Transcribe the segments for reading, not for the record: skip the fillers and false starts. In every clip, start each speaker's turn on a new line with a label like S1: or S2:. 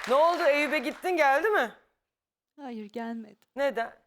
S1: Ne oldu? Eyüp'e gittin, geldi mi?
S2: Hayır, gelmedi.
S1: Neden?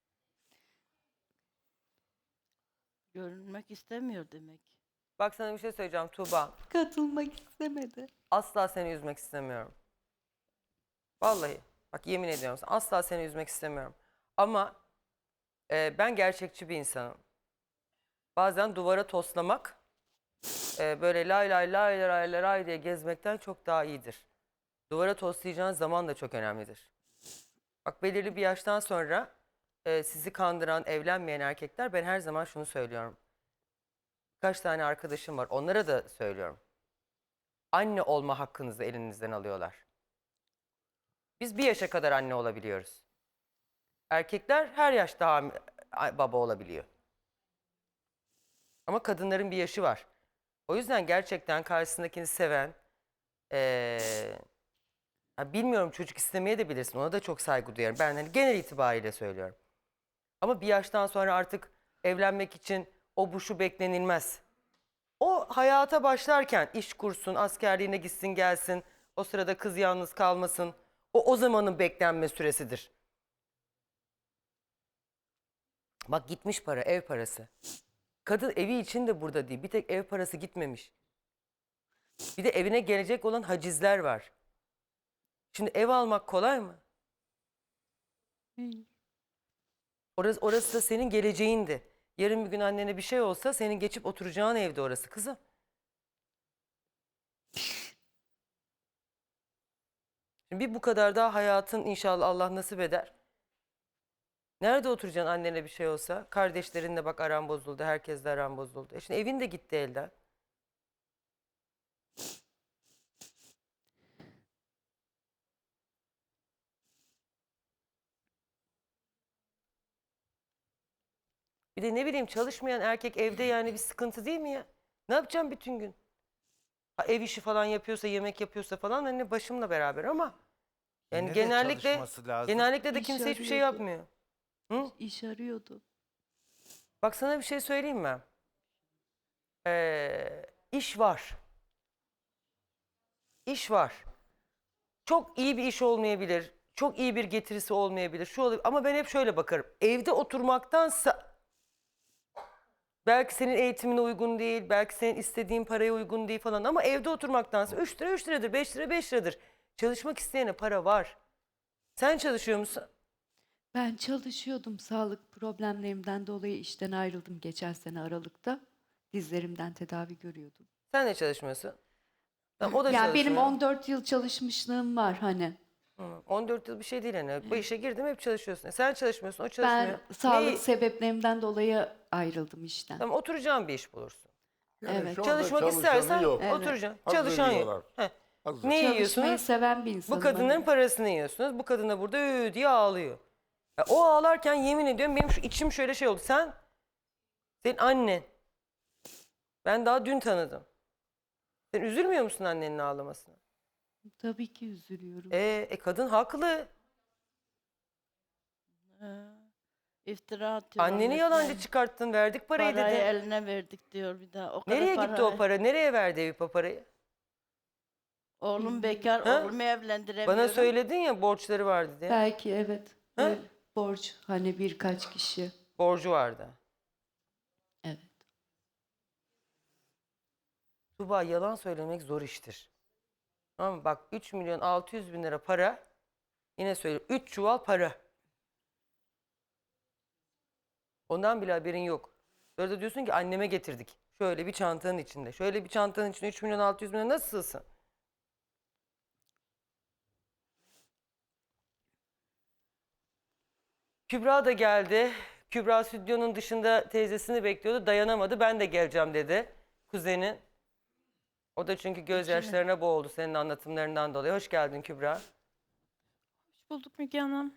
S3: Görünmek istemiyor demek.
S1: Bak sana bir şey söyleyeceğim Tuğba.
S2: Katılmak istemedi.
S1: Asla seni üzmek istemiyorum. Vallahi. Bak yemin ediyorum sana, asla seni üzmek istemiyorum. Ama ben gerçekçi bir insanım. Bazen duvara toslamak böyle lay lay lay lay lay lay diye gezmekten çok daha iyidir. Duvara toslayacağın zaman da çok önemlidir. Bak belirli bir yaştan sonra sizi kandıran, evlenmeyen erkekler, ben her zaman şunu söylüyorum. Kaç tane arkadaşım var, onlara da söylüyorum. Anne olma hakkınızı elinizden alıyorlar. Biz bir yaşa kadar anne olabiliyoruz. Erkekler her yaşta baba olabiliyor. Ama kadınların bir yaşı var. O yüzden gerçekten karşısındakini seven, bilmiyorum, çocuk istemeye de bilirsin. Ona da çok saygı duyarım. Ben hani genel itibariyle söylüyorum. Ama bir yaştan sonra artık evlenmek için o bu şu beklenilmez. O hayata başlarken iş kursun, askerliğine gitsin gelsin. O sırada kız yalnız kalmasın. O zamanın beklenme süresidir. Bak gitmiş para, ev parası. Kadın evi için de burada değil. Bir tek ev parası gitmemiş. Bir de evine gelecek olan hacizler var. Şimdi ev almak kolay mı?
S2: Hayır.
S1: Orası da senin geleceğindi. Yarın bir gün annene bir şey olsa senin geçip oturacağın evde orası kızım. Şimdi bir bu kadar daha hayatın inşallah Allah nasip eder. Nerede oturacaksın annene bir şey olsa? Kardeşlerinle bak aran bozuldu, herkesle aran bozuldu. Şimdi evin de gitti elden. Bir de ne bileyim, çalışmayan erkek evde yani bir sıkıntı değil mi ya? Ne yapacağım bütün gün? Ha, ev işi falan yapıyorsa, yemek yapıyorsa falan hani başımla beraber ama yani
S4: Yine de çalışması lazım.
S1: genellikle de
S2: İş
S1: kimse hiçbir şey
S2: arıyordu.
S1: yapmıyor. Hı?
S2: İş arıyordu.
S1: Bak sana bir şey söyleyeyim mi? İş var. İş var. Çok iyi bir iş olmayabilir. Çok iyi bir getirisi olmayabilir. Şu olabilir. Ama ben hep şöyle bakarım. Evde oturmaktansa belki senin eğitimine uygun değil, belki senin istediğin paraya uygun değil falan ama evde oturmaktansa 3 lira 3 liradır, 5 lira 5 liradır. Çalışmak isteyene para var. Sen çalışıyor musun?
S2: Ben çalışıyordum. Sağlık problemlerimden dolayı işten ayrıldım geçen sene Aralık'ta. Dizlerimden tedavi görüyordum.
S1: Sen de çalışmıyorsun. Tamam, o da
S2: Yani benim
S1: çalışmıyor.
S2: 14 yıl çalışmışlığım var hani.
S1: 14 yıl bir şey değil yani. Bu işe girdim hep çalışıyorsun. Sen çalışmıyorsun, o
S2: Ben
S1: çalışmıyor.
S2: sağlık sebeplerimden dolayı ayrıldım işten.
S1: Tamam, oturacağın bir iş bulursun.
S5: Yani
S2: Evet.
S5: şu anda
S1: Çalışmak
S5: çalışanı
S1: istersen
S5: yok.
S2: Evet.
S1: oturacaksın.
S5: Hazır
S1: Çalışan
S5: yiyorlar.
S1: yok. Heh.
S5: Hazır.
S1: Ne
S2: Çalışmayı
S1: yiyorsunuz?
S2: seven bir insanım.
S1: Bu kadınların
S2: hani.
S1: parasını yiyorsunuz. Bu kadın da burada diye ağlıyor. Ya o ağlarken yemin ediyorum benim şu içim şöyle şey oldu. Senin annen. Ben daha dün tanıdım. Sen üzülmüyor musun annenin ağlamasına?
S2: Tabii ki üzülüyorum.
S1: Kadın haklı.
S3: İftira atıyorlar.
S1: Anneni
S3: resmen.
S1: yalancı çıkarttın, verdik parayı
S3: Parayı
S1: dedi.
S3: eline verdik diyor bir daha. O kadar
S1: Nereye gitti o
S3: parayı.
S1: para? Nereye verdi Eyüp o parayı?
S3: Oğlum bekar,
S1: Ha?
S3: oğlumu evlendiremiyorum.
S1: Bana söyledin ya borçları vardı diye.
S2: Belki evet.
S1: Ha?
S2: Öyle borç hani birkaç kişi.
S1: Borcu vardı.
S2: Evet.
S1: Tuğba, yalan söylemek zor iştir. Tamam mı? Bak 3.600.000 lira para. Yine söylüyorum 3 çuval para. Ondan bile haberin yok. Sonra da diyorsun ki anneme getirdik. Şöyle bir çantanın içinde. Şöyle bir çantanın içinde 3.600.000 lira nasıl sığsın? Kübra da geldi. Kübra stüdyonun dışında teyzesini bekliyordu. Dayanamadı. Ben de geleceğim dedi. Kuzeni. O da çünkü gözyaşlarına boğuldu senin anlatımlarından dolayı. Hoş geldin Kübra.
S6: Hoş bulduk Müge Hanım.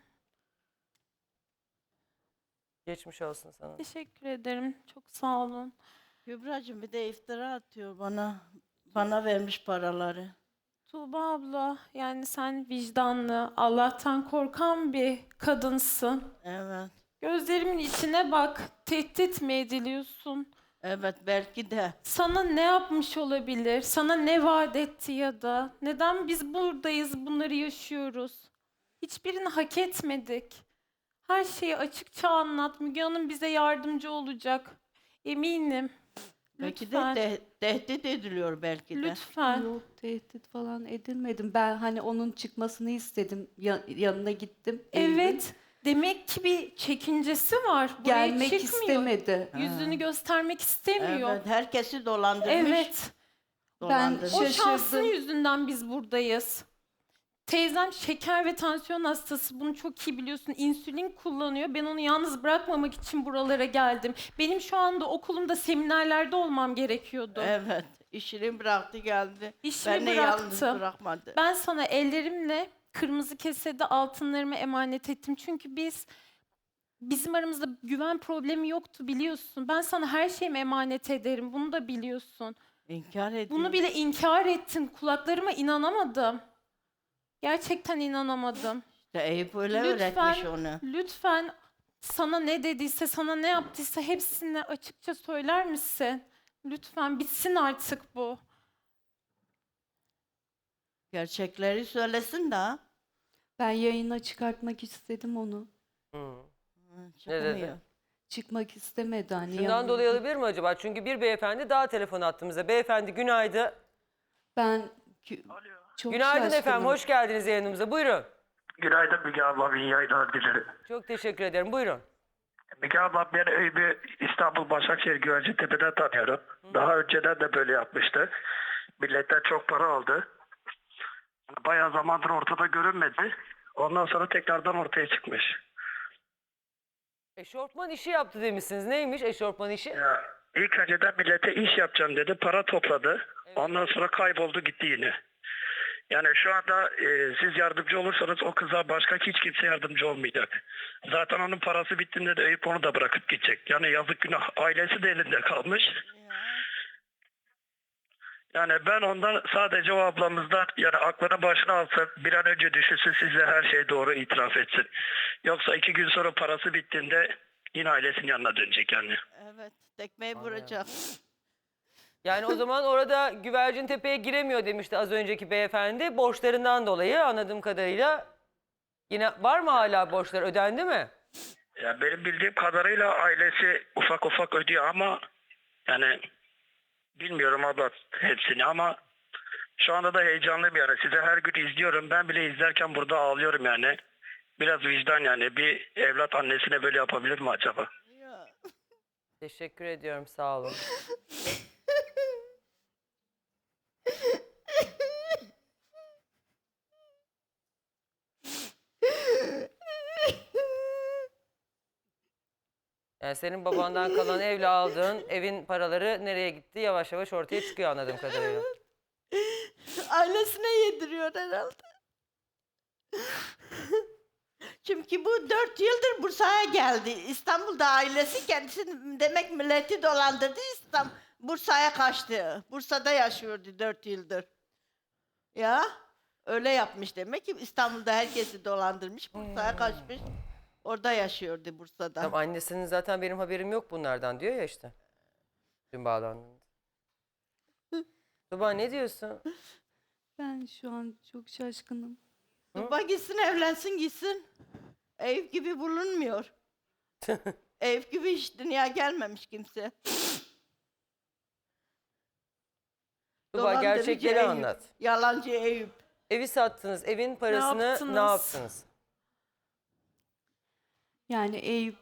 S1: Geçmiş olsun sana.
S6: Teşekkür ederim. Çok sağ olun.
S3: Kübracığım bir de iftira atıyor bana. Bana vermiş paraları.
S6: Tuğba abla, yani sen vicdanlı, Allah'tan korkan bir kadınsın.
S3: Evet.
S6: Gözlerimin içine bak. Tehdit mi ediliyorsun?
S3: Evet belki de.
S6: Sana ne yapmış olabilir? Sana ne vaat etti ya da? Neden biz buradayız, bunları yaşıyoruz? Hiçbirini hak etmedik. Her şeyi açıkça anlat. Müge Hanım bize yardımcı olacak. Eminim.
S3: Belki
S6: Lütfen.
S3: de tehdit ediliyor belki de.
S6: Lütfen.
S2: Yok, tehdit falan edilmedim. Ben hani onun çıkmasını istedim. Yanına gittim. Eyüp'ün.
S6: Evet. Demek ki bir çekincesi var. Buraya
S2: Gelmek
S6: çıkmıyor.
S2: istemedi.
S6: Yüzünü göstermek istemiyor.
S3: Evet herkesi dolandırmış.
S6: Evet.
S3: Dolandırmış.
S6: O
S2: Şaşırdım.
S6: şansın yüzünden biz buradayız. Teyzem şeker ve tansiyon hastası. Bunu çok iyi biliyorsun. İnsülin kullanıyor. Ben onu yalnız bırakmamak için buralara geldim. Benim şu anda okulumda seminerlerde olmam gerekiyordu.
S3: Evet. İşini bıraktı geldi.
S6: İşimi
S3: Beni yalnız
S6: bıraktım.
S3: bırakmadı.
S6: Ben sana ellerimle kırmızı kesede altınlarımı emanet ettim. Çünkü bizim aramızda güven problemi yoktu biliyorsun. Ben sana her şeyimi emanet ederim. Bunu da biliyorsun.
S3: İnkar ediyor.
S6: Bunu bile inkar ettin. Kulaklarıma inanamadım. Gerçekten inanamadım.
S3: İşte Eyüp öyle
S6: Lütfen,
S3: öğretmiş onu.
S6: lütfen sana ne dediyse, sana ne yaptıysa hepsini açıkça söyler misin? Lütfen bitsin artık bu.
S3: Gerçekleri söylesin de.
S2: Ben yayına çıkartmak istedim onu.
S1: Hı.
S3: Çıkamıyor.
S2: Çıkmak istemedi hani.
S1: Şundan
S2: yanına
S1: dolayı
S2: git-
S1: olabilir mi acaba? Çünkü bir beyefendi daha telefon attığımızda. Beyefendi günaydın.
S2: Ben çok
S1: Günaydın
S2: şaşkınım.
S1: efendim. Hoş geldiniz yayınımıza. Buyurun.
S4: Günaydın Müge abla, iyi yayınlar dilerim.
S1: Çok teşekkür ederim. Buyurun.
S4: Müge abla ben Eyüp'ü İstanbul Başakşehir Güvercintepe'den tanıyorum. Daha önceden de böyle yapmıştı. Milletten çok para aldı. Bayağı zamandır ortada görünmedi. Ondan sonra tekrardan ortaya çıkmış.
S1: Eşofman işi yaptı demişsiniz. Neymiş eşofman işi?
S4: Ya, ilk önceden millete iş yapacağım dedi. Para topladı. Ondan sonra kayboldu gitti yine. Yani şu anda siz yardımcı olursanız o kıza başka hiç kimse yardımcı olmayacak. Zaten onun parası bittiğinde de Eyüp onu da bırakıp gidecek. Yani yazık günah, ailesi de elinde kalmış. Yani ben ondan sadece o ablamızdan yani aklını başına alsın, bir an önce düşünsün, size her şey doğru itiraf etsin. Yoksa 2 gün sonra parası bittiğinde yine ailesinin yanına dönecek yani.
S3: Evet. Tekmeyi vuracak.
S1: Yani o zaman orada Güvercintepe'ye giremiyor demişti az önceki beyefendi. Borçlarından dolayı anladığım kadarıyla. Yine var mı hala borçlar? Ödendi mi?
S4: Ya benim bildiğim kadarıyla ailesi ufak ufak ödüyor ama yani bilmiyorum abla hepsini ama şu anda da heyecanlıyım yani. Size her gün izliyorum. Ben bile izlerken burada ağlıyorum yani. Biraz vicdan yani. Bir evlat annesine böyle yapabilir mi acaba?
S3: Ya.
S1: Teşekkür ediyorum. Sağ olun. Yani senin babandan kalan evle aldığın evin paraları nereye gitti? Yavaş yavaş ortaya çıkıyor anladığım kadarıyla.
S3: Ailesine yediriyor herhalde. Çünkü bu 4 yıldır Bursa'ya geldi. İstanbul'da ailesi kendisini demek milleti dolandırdı. Bursa'ya kaçtı. Bursa'da yaşıyordu 4 yıldır. Ya öyle yapmış demek ki İstanbul'da herkesi dolandırmış. Bursa'ya kaçmış. Orada yaşıyordu Bursa'da.
S1: Tamam, annesinin zaten benim haberim yok bunlardan diyor ya işte. Dün bağlandığında. Tuba ne diyorsun?
S2: Ben şu an çok şaşkınım.
S3: Bak gitsin evlensin gitsin. Eyüp gibi bulunmuyor. Eyüp gibi hiç dünya gelmemiş kimse.
S1: Tuba
S3: Dolandırıcı
S1: gerçekleri
S3: Eyüp,
S1: anlat.
S3: Yalancı Eyüp.
S1: Evi sattınız. Evin parasını ne
S6: yaptınız?
S1: yaptınız?
S2: Yani Eyüp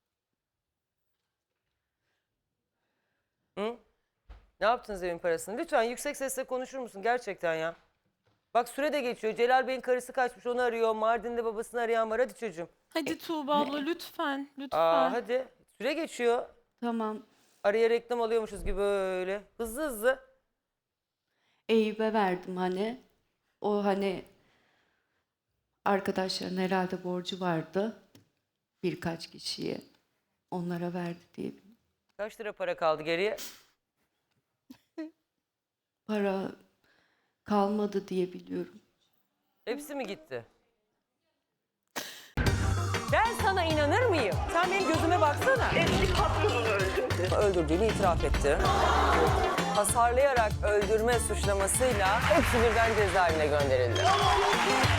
S1: Hı? Ne yaptınız evin parasını? Lütfen yüksek sesle konuşur musun gerçekten ya? Bak süre de geçiyor. Celal Bey'in karısı kaçmış onu arıyor. Mardin'de babasını arayan var. Hadi çocuğum.
S6: Hadi Tuğba abla lütfen, lütfen.
S1: Hadi. Süre geçiyor.
S2: tamam,
S1: Araya reklam alıyormuşuz gibi böyle. Hızlı hızlı.
S2: Eyüp'e verdim hani. O hani arkadaşların herhalde borcu vardı. Birkaç kişiye. Onlara verdi diye.
S1: Kaç lira para kaldı geriye?
S2: Para kalmadı diye biliyorum.
S1: Hepsi mi gitti? Ben sana inanır mıyım? Sen benim gözüme baksana.
S5: Eski patronunu öldürdü.
S1: Öldürdüğünü itiraf etti. Hasarlayarak öldürme suçlamasıyla hepsi birden cezaevine gönderildi.